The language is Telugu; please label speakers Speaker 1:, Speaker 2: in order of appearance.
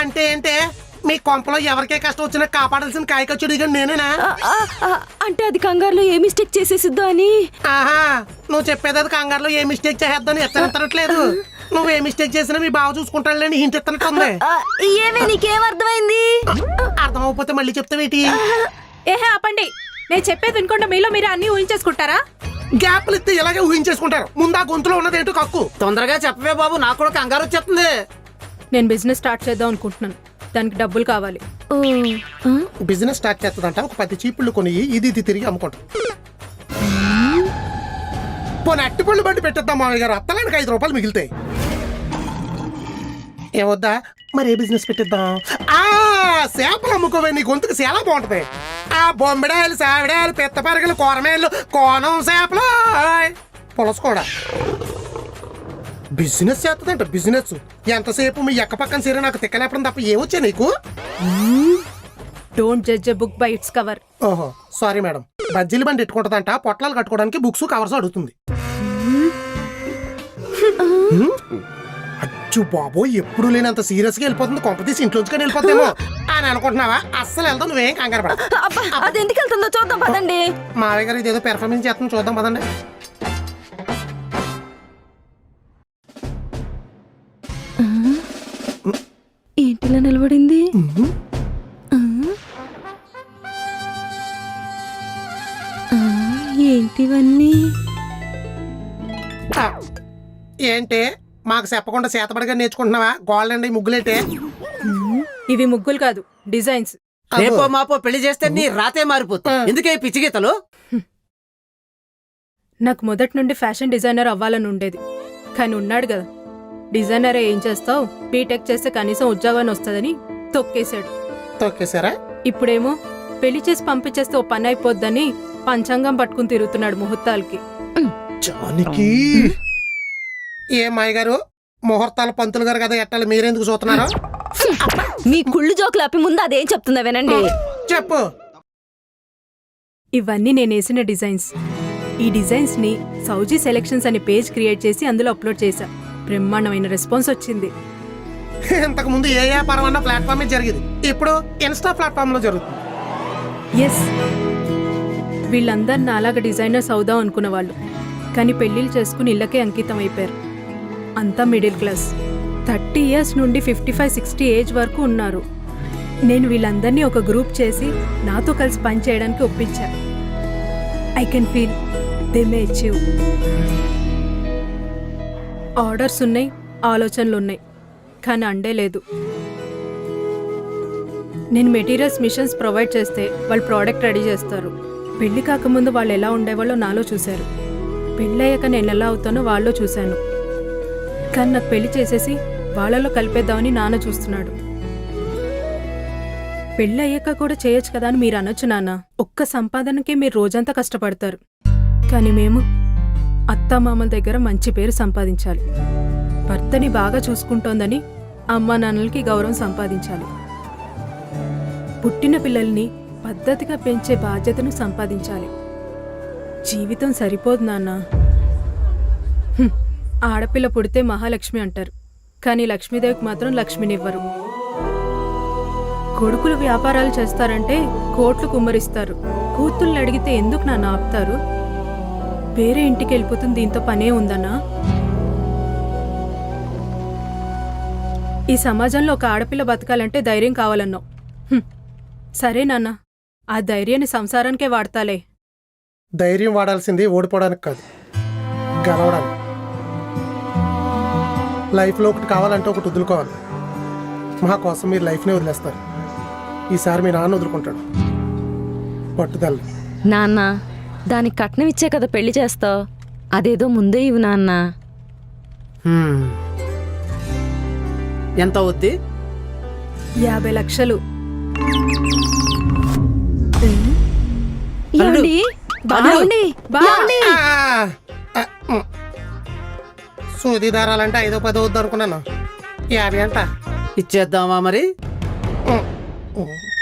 Speaker 1: అంటే ఏంటే మీ కొంపలో ఎవరికే కష్టం వచ్చినా కాపాడాల్సిన కాయకచ్చుడిగా నేనేనా?
Speaker 2: అంటే అది కంగారులో ఏ మిస్టేక్ చేసేసిద్దో అని.
Speaker 1: ఆహా, నువ్వు చెప్పేది అది కంగారులో ఏ మిస్టేక్ చేద్దాని ఎత్తనెత్తనట్లేదు. నువ్వు ఏ మిస్టేక్ చేసినా మీ బావ చూసుకుంటాడులేని హింట్ ఎత్తనట్టుంది.
Speaker 2: ఏమే నీకేం అర్థమైంది?
Speaker 1: అర్థమైపోతే మళ్ళీ చెప్తావేటి?
Speaker 3: ఏహే ఆపండి, నేను చెప్పేది వినకుండా మీలో మీరు అన్ని ఊహించేసుకుంటారా?
Speaker 1: గ్యాప్లు ఇస్తే ఇలాగే ఊహించేసుకుంటారు. ముందు ఆ గొంతులో ఉన్నది ఏంటో కక్కు.
Speaker 4: తొందరగా చెప్పవే బాబు, నాకు కూడా కంగారు వచ్చేస్తుంది.
Speaker 3: నేను బిజినెస్ స్టార్ట్ చేద్దాం అనుకుంటున్నాను, దానికి డబ్బులు కావాలి.
Speaker 1: బిజినెస్ స్టార్ట్ చేస్తుందంట. ఒక 10 చీపుళ్ళు కొని ఇది తిరిగి అమ్ముకుంటాం. పోనీ అట్టిపళ్ళు బండి పెట్టేద్దాం మామయ్య గారు, అత్తలానికి 5 రూపాయలు మిగులుతాయి. ఏవద్దా? మరి ఏ బిజినెస్ పెట్టిద్దాం? చేపలు అమ్ముకోవే, నీ గొంతుకు చాలా బాగుంటది. ఆ బొమ్మిడాయలు, సావిడాయలు, పెద్ద పరగలు, కూరమేళ్ళు, కోనం చేపలు, పులస కూడా. బిజినెస్ చేస్తుందంట. బిజినెస్ ఎంతసేపు మీ ఎక్క పక్కన సరే నాకు తిక్కలేపడం తప్ప ఏమొచ్చా నీకు?
Speaker 3: Don't judge a book by its cover.
Speaker 1: ఓహో సారీ మేడం. బజ్జీలు బండి ఎట్టుకుంటుందంట, పొట్లాలు కట్టుకోవడానికి బుక్స్ కవర్స్ అడుగుతుంది. అచ్చు బాబో, ఎప్పుడు లేనంత సీరియస్ గా వెళ్ళిపోతుంది. కొంపతీసి ఇంట్లోంచి వెళ్ళిపోతామో అని అనుకుంటున్నావా? అస్సలు వెళ్తాం, నువ్వేం కంగారు పడ.
Speaker 2: అది ఎందుకు వెళ్తుందో చూద్దాం పదండి.
Speaker 1: మావయ్య గారు ఇదేదో పెర్ఫార్మెన్స్ చేస్తాం, చూద్దాం పదండి.
Speaker 2: ఏంటిలా నిలబడింది? ఏంటివన్నీ?
Speaker 1: ఏంటి మాకు చెప్పకుండా చేతబడిగా నేర్చుకుంటున్నావా? గోల్డ్ అండి ముగ్గులేంటే?
Speaker 3: ఇవి ముగ్గులు కాదు, డిజైన్స్.
Speaker 4: రేపో మాపో పెళ్లి చేస్తే నీ రాతే మారిపోతుంది. ఎందుకే పిచ్చి గీతలు?
Speaker 3: నాకు మొదటి నుండి ఫ్యాషన్ డిజైనర్ అవ్వాలని ఉండేది, కానీ ఉన్నాడు కదా డిజైనరే, ఏం చేస్తావు, బీటెక్ చేస్తే కనీసం ఉద్యోగాన్ని వస్తుందని తొక్కేశాడు.
Speaker 1: తొక్కేశారా?
Speaker 3: ఇప్పుడేమో పెళ్లి చేసి పంపించేస్తే ఓ పని అయిపోద్దని పంచాంగం పట్టుకుని తిరుగుతున్నాడు ముహూర్తాలకి.
Speaker 1: జానికి ఏ మాయ గారు, ముహూర్తాలు పంతులు గారు కదా ఎట్టాలి, మీరెందుకు చూస్తున్నారు?
Speaker 2: మీ కుళ్ళు జోకులు ఆపి ముందు అదేం చెప్తుందా వినండి.
Speaker 1: చెప్పు.
Speaker 3: ఇవన్నీ నేను వేసిన డిజైన్స్. ఈ డిజైన్స్ ని సౌజీ సెలెక్షన్స్ అనే పేజ్ క్రియేట్ చేసి అందులో అప్లోడ్ చేశా. బ్రహ్మాండమైన రెస్పాన్స్ వచ్చింది.
Speaker 1: ఇంతకు ముందు ఏ వ్యాపారం అన్న ప్లాట్ఫామ్ జరిగింది, ఇప్పుడు ఇన్స్టా ప్లాట్ఫామ్ లో జరుగుతుంది.
Speaker 3: ఎస్, వీళ్ళందరు నాలాగా డిజైనర్స్ అవుదాం అనుకున్న వాళ్ళు, కానీ పెళ్లిళ్ళు చేసుకుని ఇళ్ళకే అంకితం అయిపోయారు. అంతా మిడిల్ క్లాస్. 30 years నుండి 55-60 ఏజ్ వరకు ఉన్నారు. నేను వీళ్ళందరినీ ఒక గ్రూప్ చేసి నాతో కలిసి పని చేయడానికి ఒప్పించా. I can feel they may achieve. Orders ఉన్నాయి, ఆలోచనలు ఉన్నాయి, కానీ అండే లేదు. నేను మెటీరియల్స్, మిషన్స్ ప్రొవైడ్ చేస్తే వాళ్ళు ప్రోడక్ట్ రెడీ చేస్తారు. పెళ్లి కాకముందు వాళ్ళు ఎలా ఉండేవాళ్ళో నాలో చూశారు, పెళ్ళయ్యాక నేను ఎలా అవుతానో వాళ్ళలో చూశాను. కానీ నాకు పెళ్లి చేసేసి వాళ్ళలో కలిపేద్దామని నాన్న చూస్తున్నాడు. పెళ్ళి అయ్యాక కూడా చేయొచ్చు కదా అని మీరు అనొచ్చు నాన్న. ఒక్క సంపాదనకే మీరు రోజంతా కష్టపడతారు, కానీ మేము అత్తామామల దగ్గర మంచి పేరు సంపాదించాలి. భర్తని బాగా చూసుకుంటోందని అమ్మా నాన్నలకి గౌరవం సంపాదించాలి. పుట్టిన పిల్లల్ని పద్ధతిగా పెంచే బాధ్యతను సంపాదించాలి. జీవితం సరిపోదు నాన్న. ఆడపిల్ల పుడితే మహాలక్ష్మి అంటారు, కానీ లక్ష్మీదేవికి మాత్రం లక్ష్మినివ్వరు. కొడుకులు వ్యాపారాలు చేస్తారంటే కోట్లు కుమ్మరిస్తారు. కూతుళ్ళని అడిగితే ఎందుకు నాన్న ఆపుతారు? వేరే ఇంటికి వెళ్ళిపోతుంది, దీంతో పనే ఉందన్నా? ఈ సమాజంలో ఒక ఆడపిల్ల బతకాలంటే ధైర్యం కావాలన్నావు. సరే నాన్న, ఆ ధైర్యాన్ని సంసారానికే వాడతాలే.
Speaker 1: ధైర్యం వాడాల్సింది ఓడిపోవడానికి కాదు, గెలవడానికి. లైఫ్లో ఒకటి కావాలంటే ఒకటి వదులుకోవాలి. మా కోసం మీరు లైఫ్నే వదిలేస్తారు. ఈసారి మీ నాన్న వదులుకుంటాడు. పట్టుదల.
Speaker 2: నాన్న, దానికి కట్నం ఇచ్చే కదా పెళ్లి చేస్తావు, అదేదో ముందే ఇవ్వు నాన్న.
Speaker 4: ఎంత అవుద్ది?
Speaker 3: 50 లక్షలు.
Speaker 2: ఏమండి? బాగుండి బాగుండి.
Speaker 1: సూది దారాలంటే 5-10 అవుద్ది అనుకున్నాను. 50 అంట
Speaker 4: ఇచ్చేద్దామా మరి?